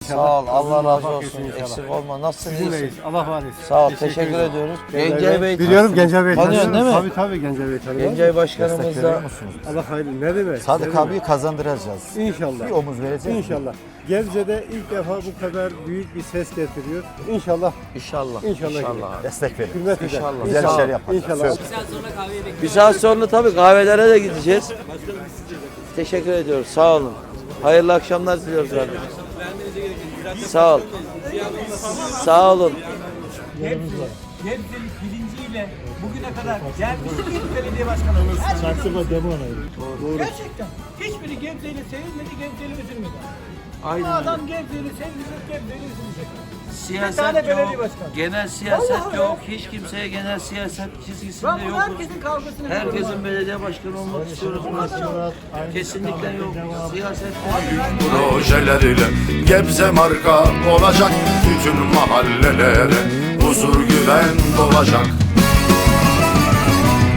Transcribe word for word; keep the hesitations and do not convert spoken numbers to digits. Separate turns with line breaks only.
Sağ ol. Allah razı
Bak
olsun.
inşallah.
Eksik olma. Nasılsın?
Sizinleyiz.
İyisin?
Allah var etsin.
Sağ ol. Teşekkür
ederim.
ediyoruz.
Gencay
Gencay Bey.
Biliyorum Gencay Bey.
Tanıyorsun değil mi?
Tabii tabii Gencay Bey tanıyorum.
Gencay Başkanımız
Destek veriyor
da
musunuz?
Allah hayırlı. Ne demek?
Sadık
Ne demek?
abiyi kazandıracağız.
İnşallah.
Bir omuz vereceğiz.
İnşallah. Gebze'de ilk defa bu kadar büyük bir ses getiriyor. İnşallah.
İnşallah.
İnşallah.
İnşallah.
Destek verin.
Hürmet eder.
İnşallah.
Güzel
Sağ ol.
işler yapacağız.
İnşallah.
Bir saat sonra tabii kahvelere de gideceğiz. Teşekkür ediyoruz. Sağ olun. Hayırlı akşamlar diliyoruz kardeşim. Sağ ol. Sağ olun.
Gebze'lik bilinciyle bugüne kadar gelmiş bir belediye başkanımız. Gerçekten. Hiçbiri Gebze'yle sevilmedi, Gebze'yle üzülmedi. Bu
Aynen
adam Gebze'yle sevilecek, Gebze'yle üzülecek. Bir tane
Siyaset
belediye
yok,
başkanı.
genel siyaset
Vallahi
yok, hiç kimseye genel siyaset çizgisinde
Ben bu
yok.
herkesin kavgasını biliyorum.
Herkesin belediye başkanı olmak istiyoruz. Kesinlikle yok. Siyaset
Projeleriyle Gebze marka olacak, bütün mahallelere huzur güven dolacak.